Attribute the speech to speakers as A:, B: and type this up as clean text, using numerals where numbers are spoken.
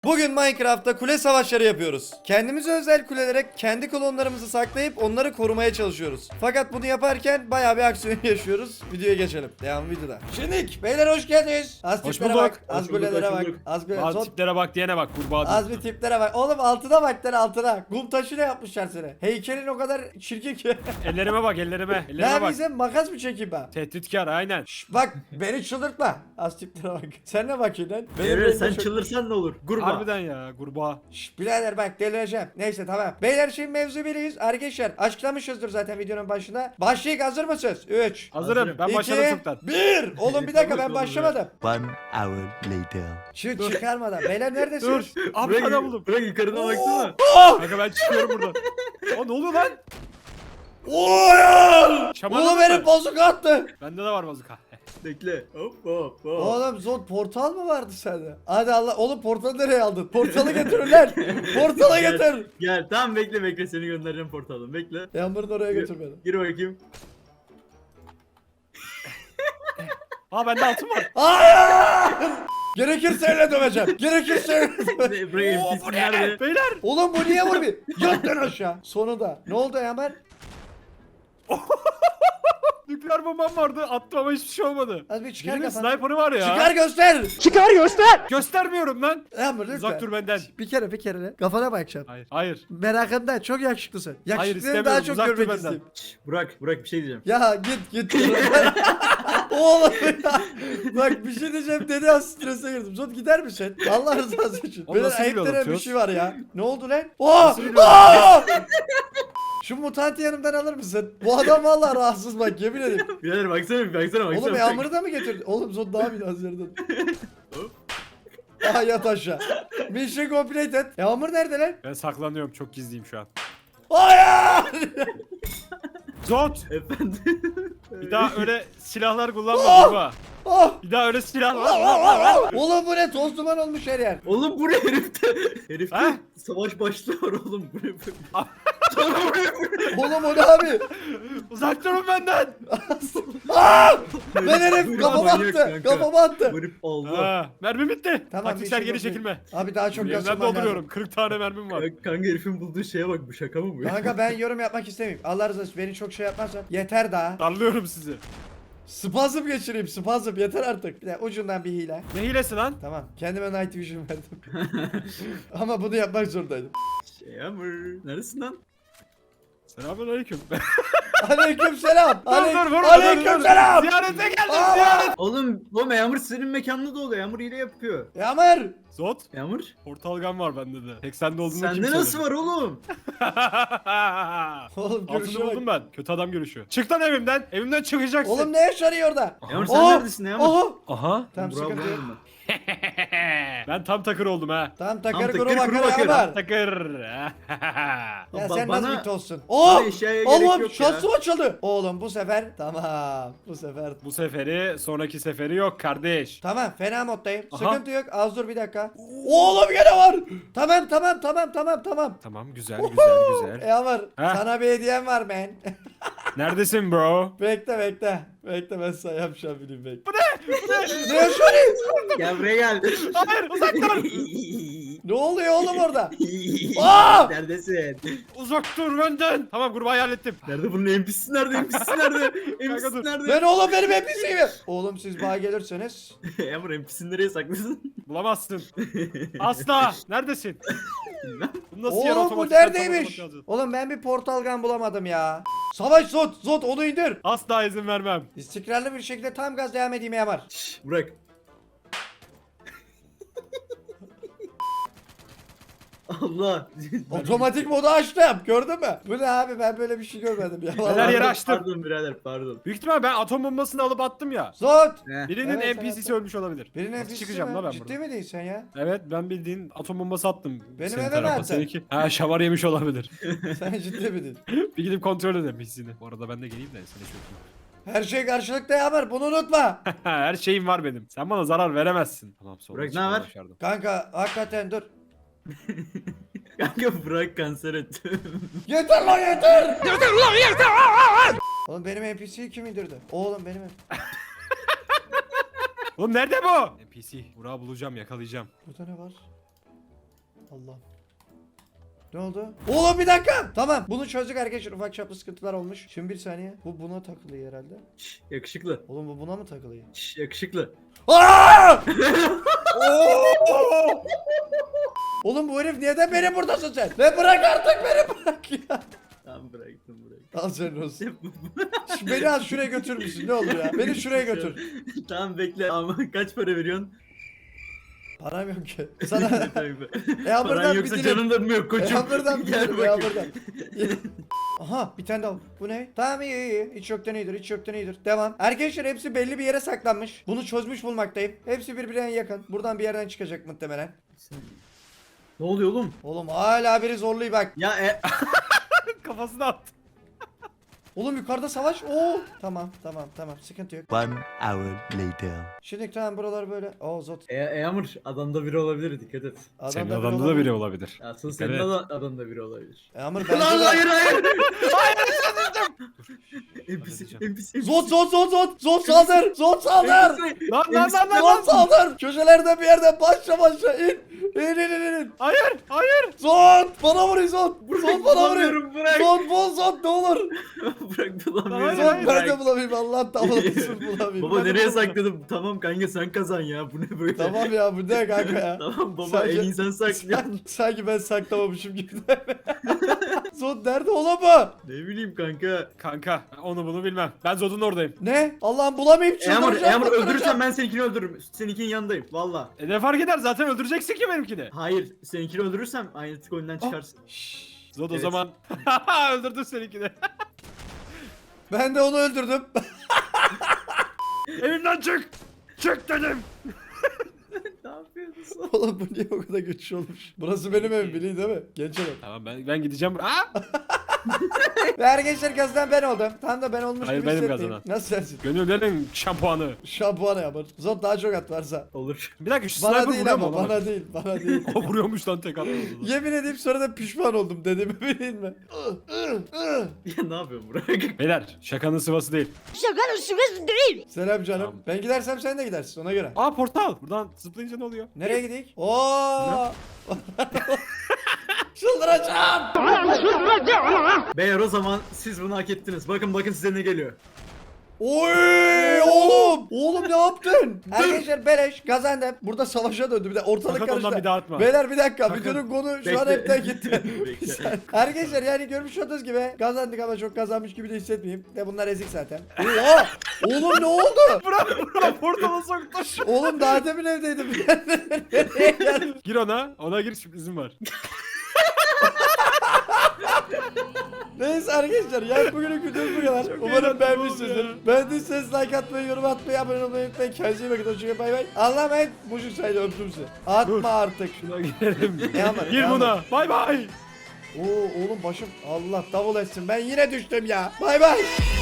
A: Bugün Minecraft'ta kule savaşları yapıyoruz. Kendimize özel kulelere kendi klonlarımızı saklayıp onları korumaya çalışıyoruz. Fakat bunu yaparken bayağı bir aksiyon yaşıyoruz. Videoya geçelim. Devam videoda. Şimdi beyler hoş geldiniz. Az
B: Hoş
A: tiplere
B: bulduk.
A: bak. Az
C: Hoş bulduk,
A: kulelere
C: hoş
A: bak.
C: bulduk.
A: Az kulelere.
B: Bazı tiplere bak diyene bak kurbağa
A: Az
B: diyorsun.
A: bir tiplere bak. Oğlum altına bak lan altına. Kum taşıyla yapmışlar seni. Heykelin o kadar çirkin ki.
B: Ellerime bak ellerime.
A: Ne
B: Ellerime bak.
A: yapayım makas mı çekeyim ben?
B: Tehditkar aynen.
A: Bak beni çıldırtma. Az tiplere bak. Sen ne bakıyorsun lan? Benim
C: Emre
A: elimde
C: sen
A: çok-
C: çıldırsan ne olur? Gurba.
B: Harbiden ya kurbağa.
A: Şşş birader bak delireceğim. Neyse tamam. Beyler şimdi mevzu biriyiz. Arkadaşlar açıklamışızdır zaten videonun başında. Başlayık hazır mısınız? 3
B: Hazırım.
C: Hazırım.
B: Ben başladım çoktan.
A: 1. Oğlum bir dakika ben
C: Tamam,
A: başlamadım.
D: 1 hour later.
A: Şu çıkarmadan. Beyler neredesiniz?
B: Dur. Abi
C: Bırak,
B: sana buldum.
C: bırak yukarıdan baksana.
B: Kanka ben çıkıyorum buradan. Aa ne oluyor lan?
A: Oy!
B: Şamanladın
A: Oğlum
B: mı?
A: benim bozuk attı.
B: Bende de var bazuka.
C: Bekle. Hop hop hop.
A: Oğlum zor portal mı vardı sende? Hadi Allah. Oğlum portalı nereye aldın? Portalı getirin lan. Portala
C: Gel,
A: getir.
C: Gel tamam bekle seni göndereceğim portaldan bekle.
A: Yağmur'un oraya götür beni.
C: Gir bakayım.
B: Aa bende altın var.
A: Hayır! Gerekirse elle döveceğim. Gerekirse elle döveceğim.
C: Buraya
B: Oo
C: NPC
B: bu
C: nerede?
B: ne? Beyler.
A: Oğlum bu niye vurmuyor? Yat lan aşağı. Sonunda. Ne oldu Yaman?
B: Nükleer bombam vardı. Attım ama hiçbir şey olmadı.
A: Az bir çıkar
B: Birinin
A: kafanı.
B: sniper'ı var ya.
A: Çıkar göster.
B: Göstermiyorum lan.
A: Yağmur lütfen.
B: Uzak dur benden.
A: Bir kere lan. Kafana bakacağım.
B: Hayır. Hayır.
A: Merakımdan çok yakışıklısın. Yakışıklıyı
B: istemiyorum,
A: daha çok
B: uzak dur
A: görmek
B: benden.
A: istiyorum.
C: Şşş, Burak bir şey diyeceğim.
A: Ya git. Oğlum ya. Bak bir şey diyeceğim dedi az strese girdim. Zot gider misin? Allah rızası için.
B: Oğlum
A: Böyle
B: nasıl
A: ayıp
B: bir
A: denen bir
B: anlatıyorsun?
A: şey var ya. Ne oldu lan? Oh!
B: Nasıl bir
A: Oh! Şu mutantı yanımdan alır mısın? Bu adam vallahi rahatsız bak yemin ederim.
C: Birader baksana.
A: Oğlum Yağmur'u da mı getirdin? Oğlum Zot daha biraz yerden. Aha yat aşağı. Mission completed. Yağmur nerede lan?
B: Ben saklanıyorum. Çok gizliyim şu an.
A: Hayır!
B: Zot.
C: Efendim.
B: Bir daha öyle silahlar kullanma
A: Oh!
B: kurbağa.
A: Oh!
B: Bir daha öyle silahlar.
A: Oğlum bu ne? Toz duman olmuş her yer.
C: Oğlum bu ne herifte? Herifte
B: Ha?
C: savaş başlıyor oğlum. Bu ne?
A: Oğlum o ne abi?
B: Uzak durun benden.
A: Aa! Ben herif
C: Bu ne
A: kafama
C: manyak
A: attı.
C: kanka?
A: Kafama attı.
C: Bu herif Allah.
B: Ha, mermi bitti.
A: Tamam,
B: Taktiksel
A: bir şey
B: geri
A: yok.
B: çekilme.
A: Abi daha çok
B: Yeniden
A: yazılman
B: dolduruyorum.
A: lazım.
B: 40 tane mermim var.
C: Kanka herifin bulduğu şeye bak bu şaka mı bu?
A: Kanka ben yorum yapmak istemiyorum. Allah razı olsun beni çok şey yapmazsan. Yeter daha.
B: Darlıyorum sizi.
A: Spazm geçireyim spazm yeter artık. Bir de ucundan bir hile.
B: Ne hilesi lan?
A: Tamam kendime night vision verdim. Ama bunu yapmak zorundaydım.
C: Yağmur. Neredesin lan?
B: Selamünaleyküm.
A: Aleyküm selam.
B: Dur vurma.
A: Aleyküm selam.
B: Ziyarete geldim
A: Aa!
B: ziyaret.
C: Oğlum Yağmur senin mekanda da oluyor. Yağmur hile yapıyor.
A: Yağmur.
B: Zot.
C: Yağmur.
B: Portal gun var bende de. Tek sende olduğunu kim
C: Sende nasıl
B: söyledi?
C: var oğlum?
A: Oğlum
B: Altını
A: görüşe
B: buldum
A: bak.
B: ben. Kötü adam görüşü. Çık lan evimden. Evimden çıkacaksın.
A: Oğlum ne yaşanıyor orada?
C: Yağmur sen
A: Oha!
C: neredesin Yağmur?
A: Oha.
B: Aha.
A: Tamam
C: Burak'ı
A: sıkıntı yok.
C: buldum ben.
B: Ben tam takır oldum ha.
A: Tamam takır
C: takır
A: kuru
C: kuru
A: bakar
C: bakar.
A: Yağmur.
B: Takır.
A: Ya
C: Ba-
A: sen nasıl
C: bana-
A: bir tozsun? Oh!
C: eşyaya gerek
A: Oğlum
C: yok ya.
A: şansım açıldı. Oğlum bu sefer tamam. Bu sefer
B: Bu seferi sonraki seferi yok kardeş.
A: tamam fena moddayım.
B: Aha.
A: Sıkıntı yok. Az dur bir dakika. Oğlum gene var. Tamam.
B: Tamam güzel güzel.
A: Yağmur
B: Ha?
A: sana bir hediyem var men.
B: Neredesin bro?
A: bekle. Bekle ben sana yapacağım bileyim bekle. Bu ne? Ne yaşanıyor?
C: Gel buraya gel.
B: Hayır uzak dur.
A: Ne oluyor oğlum orada? Aa!
C: Neredesin?
B: Uzak dur benden. Tamam kurbağayı hallettim.
C: Nerede bunun NPC'si nerede? NPC'si nerede?
B: Kanka
C: NPC'si
B: dur.
C: nerede?
A: Ben oğlum benim NPC'yim. Oğlum siz bana gelirseniz.
C: Yağmur NPC'ni nereye saklıyorsun?
B: Bulamazsın. Asla. Neredesin? Bu nasıl yer
A: Oğlum bu
B: otomatik
A: neredeymiş?
B: alacağız?
A: Oğlum ben bir portal gun bulamadım ya. Savaş Zot onu indir.
B: Asla izin vermem.
A: İstikrarlı bir şekilde tam gaz devam edeyim Yağmur.
C: Şşş Burak. Allah.
A: Otomatik modu açtım. Gördün mü? Bu ne abi ben böyle bir şey görmedim ya.
B: Neler
A: Vallahi.
B: yeri açtım.
C: Pardon birader pardon.
B: Büyük ihtimal ben atom bombasını alıp attım ya.
A: Zot.
B: Birinin
A: Evet,
B: NPC'si ölmüş olabilir.
A: Birinin
B: Nasıl
A: NPC'si
B: çıkacağım
A: mi?
B: la ben
A: Ciddi
B: buradan?
A: mi değilsin ya?
B: Evet ben bildiğin atom bombası attım.
A: Benim
B: Senin
A: eve mi
B: tarafa,
A: attın?
B: seninki. Ha şavar yemiş olabilir.
A: Sen ciddi miydin?
B: Bir gidip kontrol edelim hissini. Bu arada ben de geleyim de seni çökeyim.
A: Her şey karşılıklı Yağmur bunu unutma.
B: Her şeyim var benim. Sen bana zarar veremezsin. Tamam sonra
C: Burak, ne
B: çıkmayı
C: haber?
B: başardım.
A: Kanka hakikaten dur.
C: Kanka Burak kanser etti.
A: Yeter lan yeter. Oğlum benim NPC'yi kim indirdi? Oğlum benim
B: Oğlum nerede bu? NPC. Burak'ı bulacağım yakalayacağım.
A: Burada ne var? Allah. Ne oldu? Oğlum bir dakika. Tamam. Bunu çözdük arkadaşlar. Ufak çaplı sıkıntılar olmuş. Şimdi bir saniye. Bu buna takılıyor herhalde.
C: Şş, yakışıklı.
A: Oğlum bu buna mı takılıyor?
C: Şş, yakışıklı.
A: Aa! Oo! Oğlum bu herif neden beni buradasın sen? Ve bırak artık beni bırak ya.
C: Tamam bıraktım.
A: Al senin olsun. Beni al şuraya götür müsün? Ne olur ya? Beni şuraya götür.
C: Tamam bekle ama kaç para veriyorsun?
A: Param yok ki. Sana
C: Paran
A: buradan
C: yoksa
A: bir
C: canın da mı yok koçum?
A: buradan
C: Gel
A: ya
C: bakayım.
A: buradan. Aha bir tane daha. Bu ne? Tamam iyi. Hiç yoktan iyidir. Hiç yoktan iyidir. Devam. Arkadaşlar hepsi belli bir yere saklanmış. Bunu çözmüş bulmaktayım. Hepsi birbirine yakın. Buradan bir yerden çıkacak muhtemelen.
C: Ne oluyor oğlum?
A: Oğlum hala biri zorluyor bak.
C: Ya
B: Kafasına attı.
A: Oğlum yukarıda savaş. Oo. Tamam. Sıkıntı yok.
D: One hour later.
A: Şimdi tamam buralar böyle. Oo zot.
C: Yağmur adamda biri olabilir dikkat et.
B: Senin
A: Adamda
B: adamda da
A: olabilir.
B: biri olabilir.
C: Asıl
B: Dikkat
C: senin
B: et.
C: adamda biri olabilir.
A: Ama
C: Lan
A: bence de...
C: hayır. NPC
B: Halledeceğim.
C: NPC.
A: Zot saldır. Zot saldır.
B: Lan.
A: Zot saldır. Köşelerden bir yerden başla in. İn.
B: Hayır.
A: Zot bana vuruyor Zot. Zot bana vuruyor.
C: Bulamıyorum, bırak.
A: Zot bul Zot ne olur.
C: Bırak bulamıyorum.
A: Zot ben
C: bırak.
A: de bulamayayım Allah tamamlasın bulamayayım.
C: Baba
A: Ben de
C: nereye
A: bulamıyorum.
C: sakladım? Tamam kanka sen kazan ya. Bu ne böyle?
A: Tamam ya bu ne kanka ya.
C: Tamam baba
A: Sadece-
C: en iyi sen saklıyorsun.
A: Sanki ben saklamamışım gibi. Zot nerede oğlum bu?
C: Ne bileyim kanka.
B: Kanka onu bunu bilmem. Ben Zod'un oradayım.
A: Ne? Allah'ım bulamayayım çıldıracağım.
C: Yağmur
A: çıldıracağım.
C: öldürürsen ben seninkini öldürürüm. Seninkinin yanındayım valla.
B: Ne fark eder zaten öldüreceksin ki benimkini.
C: Hayır seninkini öldürürsem aynı tık oyundan çıkarsın.
B: Zod o
C: Evet.
B: zaman öldürdün seninkini.
A: Ben de onu öldürdüm.
B: Evimden çık. Çık dedim.
C: Ne yapıyorsun?
A: Oğlum bu niye o kadar güçlü olmuş? Burası benim evim bilin değil mi? Genç adam.
B: Tamam ben gideceğim. Aa!
A: Ve arkadaşlar kazanan ben oldum. Tam da ben olmuş
B: Hayır,
A: gibi
B: benim
A: hissetmeyeyim.
B: kazanan.
A: Nasıl sensin?
B: Gönüllerin şampuanı.
A: Şampuanı yapar. Zot daha çok at varsa.
C: Olur.
B: Bir dakika şu
A: Bana
B: sniper
A: değil
B: vuruyor mu
A: ama
B: ona?
A: bana değil. Bana değil.
B: O vuruyormuş lan tek atmadı.
A: Yemin edeyim sonra da pişman oldum dediğimi bilin mi?
C: Ya ne yapıyorsun Burak?
B: Beyler şakanın sıvası değil.
E: Şakanın şurası değil.
A: Selam canım.
B: Tamam.
A: Ben gidersem sen de gidersin ona göre.
B: Aa portal. Buradan zıplayınca ne oluyor?
A: Nereye gidik? Oo! Çıldıracağım.
C: Beyler o zaman siz bunu hak ettiniz. Bakın size ne geliyor.
A: Oy oğlum! Oğlum ne yaptın? Arkadaşlar beleş kazandım. Burada savaşa döndü bir de ortalık
B: Sakın ondan
A: karıştı.
B: bir daha atma.
A: Beyler bir dakika
B: Sakın.
A: videonun konu şu an
C: Bekle.
A: hepten gitti.
C: Bekle.
A: Bir saniye. Arkadaşlar yani görmüş olduğunuz gibi kazandık ama çok kazanmış gibi de hissetmeyeyim. De bunlar ezik zaten. Oha! Oğlum ne oldu?
B: Bırak portala soktu.
A: Oğlum daha demin evdeydim. Nereye geldim?
B: Gir ona gir sürprizim var.
A: Neyse arkadaşlar yani bugünün videomuz bu kadar. Umarım
B: eğlendim
A: beğenmişsinizdir.
B: oğlum ya.
A: Beğendiyseniz like atmayı, yorum atmayı, abone olmayı unutmayın. Kendinize iyi bakın. Hoşçakalın bay bay. Allah'a emanet. Mucuk saydı öptüm sizi. Atma
B: Dur.
A: artık.
B: Şuna girelim.
A: Yağmur,
B: Gir
A: Yağmur.
B: buna. Bay bay.
A: Oo oğlum başım. Allah davul etsin. Ben yine düştüm ya. Bay bay.